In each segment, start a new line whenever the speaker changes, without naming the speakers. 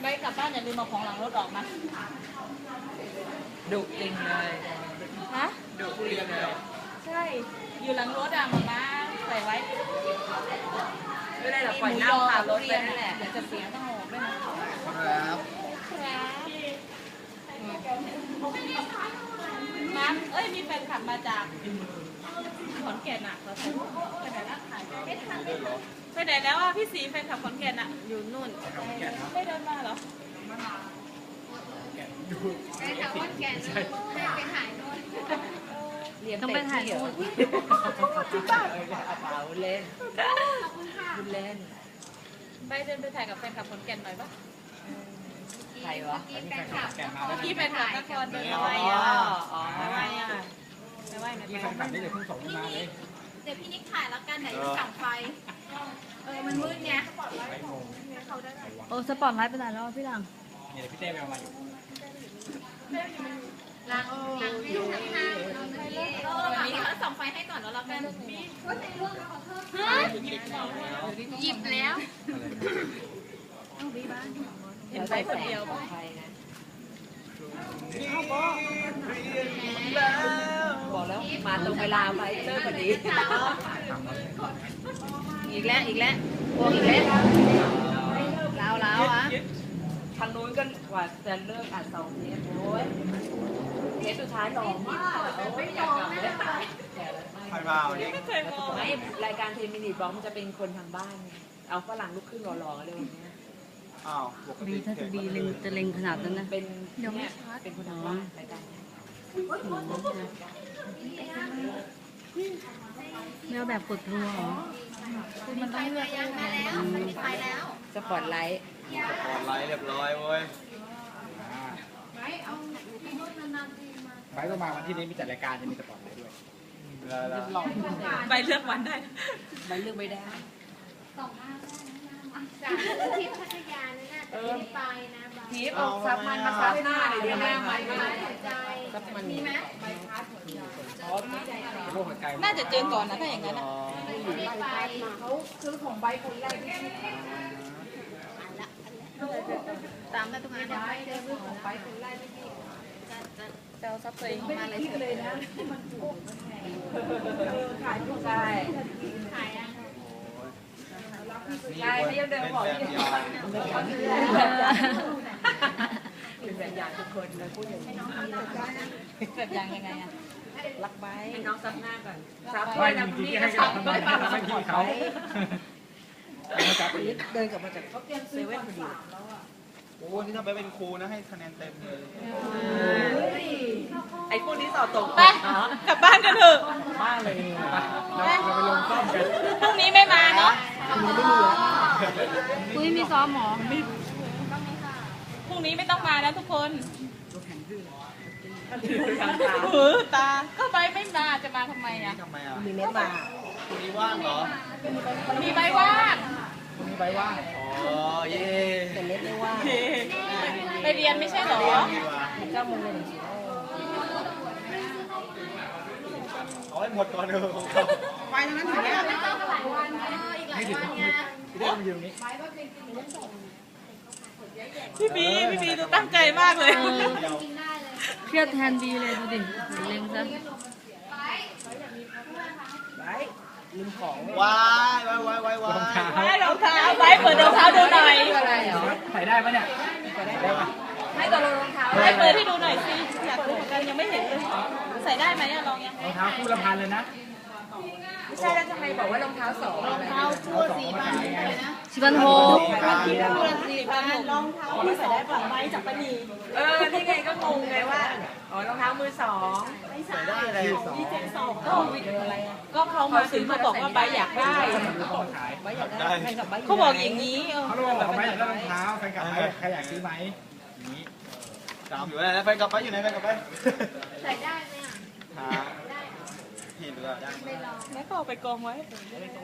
ไปกลับบ้านอย่าลืมเอาของหลังรถออกนะ
ดุจริงเลย
ฮะ
ดุจริงเลย
ใช่อยู่หลังรถอะมาม่าใส่ไว้
ไม่ได้หรอกปล่อยเน่าคารถไปนั่นแหละ
เดี๋ยวจะเสียต้องออกด้วยนะครับมาเอ้ยมีแฟนคลับมาจากขอนแก่นอะเราไปไหนละไม่ทันไปไหนแล้วอ่ะพี่สีแฟนคลับขอนแก่นอะอยู่นู่นไม่เดินมาเหรอ
ไปแถวขอนแก่นไปถ่ายนู่น
ต้องไปถ่ายนู่น
จริงป่ะ
เปล่าเล่นเล่น
ไปเดินไปถ่ายกับแฟนคลับขอนแก่นหน่อยปะ
ใครวะ
พี่แฟนคลับนครเดินไปไม่ไหวอ่ะไม่ไหวไม่ไหว
ที่แฟนคลับนี่เดี๋ยวเพิ่งส่งมาเลย
เดี๋ยวพี่นิกถ่ายแล้วกันไหนจะส่องไฟมันมืดไง
โอ้สปอร์ตไลท์ไปไหนแล้วพี่หลัง
เนี่ยพี่เต้ไปเอามาอยู่
ล้างให้ดูข้างๆวันนี้เขาส่องไฟให้ก่อนแล้วเรากันหยิบแล้ว
เห็นไปคนเดียวป่ะ
บอกแล้วมาตรงเวลาไปเลิกพอดีอีกแล้วพวกอีกแล้วแล้วอ่ะทางนู้นก็กว่าจะเลิกอ่าน2 เทปโอ้ยเทปสุดท้าย2ไม่อยากกลับเลย
ใครมาวันนี้
ไม่เคยมอง
ไม่รายการเทมินิบล็อกมันจะเป็นคนทางบ้านเอาฝรั่งลุกขึ้นหล่อๆเลยวันนี้
อ้าวปกติ
ถ้าจะบีเล็งจะเล็งขนาดนั้นนะ
เป็นเนี่ยเป็นคนทางบ้านรายการ
แมวแบบกดรัวเหรอ
มันต้องเลือกมาแล้วมันมีไฟแล้ว
สปอร์ตไลท์
เรียบร้อยเว้ยไปต้องมาวันที่นี้มีจัดรายการจะมีสปอร์ตไลท์ด้วย
ไปเลือกวันได้
ไปเลือกไม่ได้
จากทิพย์พัทยาเนี่ยน่าจะไปนะ
ทิพย์เอาซับมันมาซับหน้าเลยเดี๋ยวแม่มัน
ซับมันมีไหม
น่าจะเจอก่อนนะถ้าอย่างนั้น
เขาซื้อของใบคนแรกที่ตามมาตรงนั้นได้ซื้อของใบคนแรกที่
จะเอาซับตัวเองมาเลย
เลยนะขายทุก
ใช่
ขายอ่ะ
ใช่ไม่ยังเดินบอกที่เป็นแบบอย่างทุกคนเลยพูดอย่างนี้
แบบอย่างยังไงอ่ะรักไว้
ให้น้องซับหน้าก่อนซับ
ไม่จริงๆให้กับไม่พี่เขา
เดินกลับมาจากเซเว่นพอดี
โอ้นี่ถ้าไปเป็นครูนะให้คะแนนเต็มเลย
ไอ้พวกนี้สอบตก
ไปกลับบ้านกันเถอะ
บ้านเลยเราไปลงซ่อมกัน
พรุ่งนี้ไม่มาเนาะ
คุยมีซ้อมหมอ
พรุ่งนี้ไม่ต้องมาแล้วทุกคนตาก็ไปไม่มาจะมาทำไมอ่ะ
มีเน็ตมา
คุณนี้ว่างเหรอ
มีใบว่าง
คุณนี้ใบว่างอ๋อเย่
แต่เน็ตไม่ว่าง
ไปเรียนไม่ใช่หรอ
9 โมงเลย
เอาให้หมดก่อนเถอะของเขา
ไปตรงนั้นถึงแล้วไม่ต้องหลายวันอีกหลายวันเนี่ย
พี่ได้มาอยู่ตรงนี้
พี่บีดูตั้งใจมากเลย
เครียดแทนบีเลยดูดิเล็งซะ
ลืมของ
ว้าย
รองเท้าไว้เปิดรองเท้าดูหน่อย
ใส่ได้ปะเนี่ยใส่ได้ปะ
ให้ตัวรองเท้า
ให้เปิดให้ดูหน่อยสิอยากดูเหมือนกันยังไม่เห็นเลยใส่ได้ไหมลองยัง
รองเท้าคู่ละ1,000เลยนะ
ไม่ใช่แล้วจะให้บอกว่ารองเท้า2
รองเท้าคู่4,000เลยนะ
4,600
รองเท้าที่ใส่ได้ฝั่งไม้จากปนี
นี่ไงก็งงไงว่ารองเท้ามือ2
ใส่ได้อะไร
ดีเจสองก็เขามาถึงเขาบอกว่าใบอยากได้
ใบอยากได้
เขาบอกอย่างนี้
เขาบอกว่าใบอยากได้รองเท้าแฟนกลับไปใครอยากซื้อไหมนี้ตามอยู่ไหนแฟนกลับไปอยู่ไหนแฟนกลับไป
ใส่ได้ไหมอ่ะ
ได้เห็นหรือเปล่าได้
แม่ก็เอาไปกองไว้
เส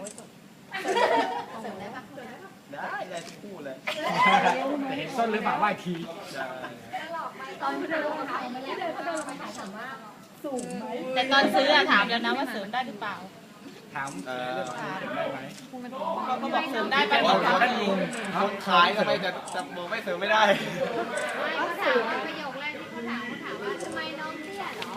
ริมได้ปะ
ได้ทุกคู่เลยแต่เห็นส้นหรือเปล่าว่าที
ตอนที่เดินลงมาถ่ายมาแล้วเขาเดินลงมาถ่ายถามว่าสูงไหม
แต่ตอนซื้อถามแล้วนะว่าเสริมได้หรือเปล่า
ถามเรื่องของเสริมได้ไหม
เขาก็บอกเสริมได้ไป
แต่
หม
ว่า
ด
คนลุงคนขายทำไมจะบอกไม่เสริมไม่ได้
เขาถามว่าประโยคแรกที่เขาถามว่าทำไมน้องเตี้ยเหรอ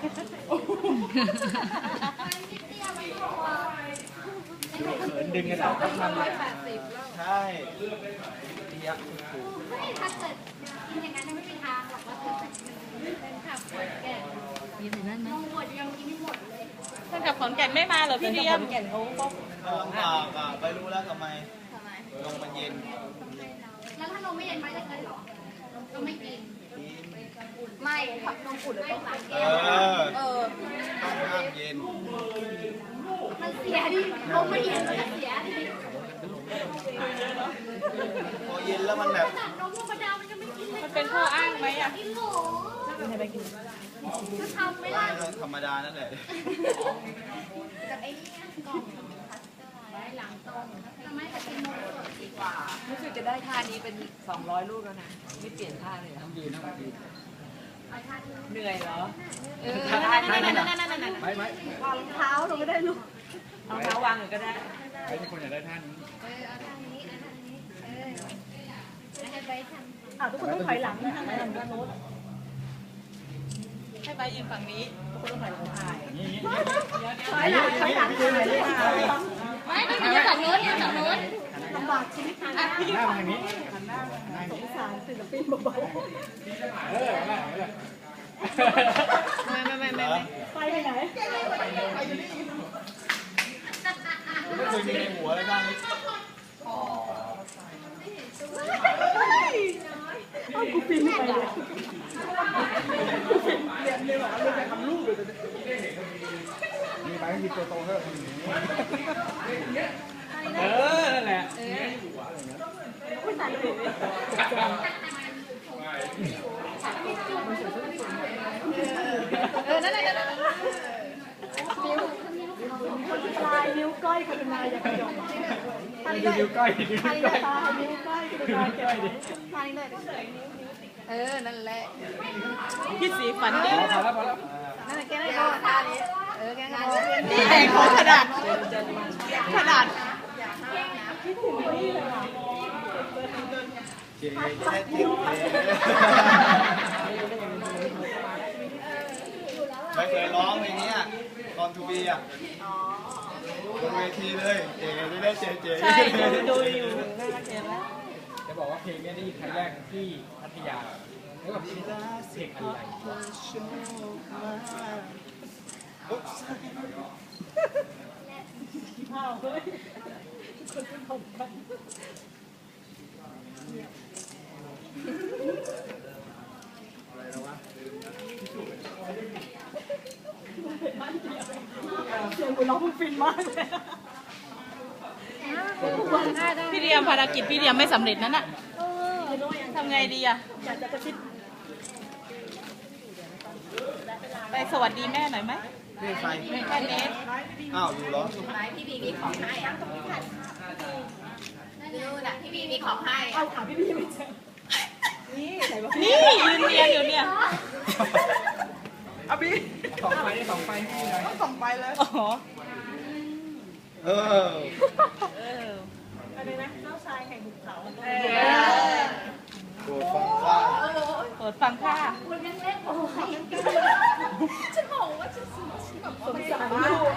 มันไม่เตี้ยมันตัว
เขินดึงกันออกมันใช่เตี้ยถูก
ไม่ถ้าเกิดกินอย่างนั้นไม่มีทางหรอกว่าจะเป็นขับแก่
มีแต่นั่นไหม
น้องหมดยังกินไม่หมดเลย
แฟนคลับขอนแก่นไม่มาเหรอพี่เดียม
ไปรู้แล้วทำไม
ทำไม
ลงมันเย็น
แล้วถ้านมไม่เย็นไปจะกินหรอก็ไม่กินไม่ขับนมอุ่นต้องสั่ง
เอ
แก้ว
อต้องห้ามเย็น
มันเสียดินมไม่เย็นมันจะเสียดิ
พอเย็นแล้วมันแบบ
ขนาดนมธรรมดามันยังไม่กินเลย
มันเป็นข้ออ้างไหมอ่ะ
กินหมูจะทำไหมล่ะ
ธรรมดานั่นแหละ
กับไอ้นี่กล่องพัสเตอร์ไว้หลังต้มทำไมจะกินนมสดดีกว่า
รู้สึกจะได้ท่านี้เป็น200ลูกแล้วนะไม่เปลี่ยนท่าเลยเหรอ
ยืนนั่งยืน
เหนื่อยเหรอ
ไม่
รองเท้าวางเลยก็ได้
ไม่ใช่คนอยากได้ท่านี้
เอาทางนี้เอาทางนี้ให้ไปทำ
ทุกคนต้องถอยหลังนะให้ไปยืนฝั่งนี้
นี่
ถอยหลังถอยหลัง
ยืนเลย
ไม่ต้องยืนฝั่งนู้นยืนฝั่งนู้น
ลำบากชีวิตอ่ะ
หน้าทางนี้
สงสารศิลปินเบา
ไม่
ๆไปไหน
ไม่เคยมีในหัวเลยท่านี้
กูฟินไปเลย
มีไปก็คือตัวโตเท่านั่นแหละ
ปลายนิ้วก้อยกรุณาอย่ากระยง
นิ้วก้อย
ใครจะตายนิ้วก้อยกรุณาเก็บ
ทางนี้เลยนั่นแหละ
พี่สีฝันดี
พอแล้วพอแล้ว
นั่นแหละแกได้ก็ท่านี้แกก็พอ
นี่แหงของขนาด
เจ๊แค่เจ๊ไม่เคยร้องเพลงนี้ตอนทูบีอ่ะบนเวทีเลยเจ๊ไม่ได้เจ๊เจ๊
ใช่ดูอยู่น่ารักเห็นไหม
จะบอกว่าเพลงนี้ได้ยินครั้งแรกที่พัทยาแล้วแบบเพลงอะไร
เสียงกูร้องฟินมากเลยพี่เดียมภารกิจพี่เดียมไม่สำเร็จนั่นน่ะทำไงดีอ่ะอยากจะกระซิบไปสวัสดีแม่หน่อยไหม
นี่ใคร
แค่เนส
อ้าวอยู่เหรอ
พี่บีมีของให้อ่ะดูนะพี่บีมีของให้
เอาถามพี่พี่ไม่เจอนี่ยืนเรียนอยู่เนี่ย
อาบีสองไฟสองไฟให้หน่อย
ส่งไปเลยอ๋อ
เออ
อะไรนะเจ้าชายแห่งหุบเขา
โดดฟังข้า
โปรดฟังค่ะ
คุณยังเล่นโอ้ยฉันบอกว่าฉันแบบ
สงสารลูก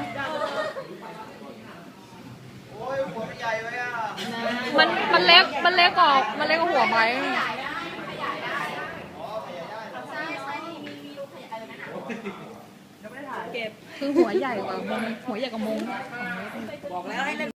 โอ้ยหัวใหญ่ไว้อ่ะ
มันเล็กกว่าหัวไม้
ขยายได้ใช่มีรูขยายอะไรนั่นอ่ะ
เก็บ
คือหัวใหญ่กว่ามงหัวใหญ่กว่ามง
บอกแล้วให้เล่น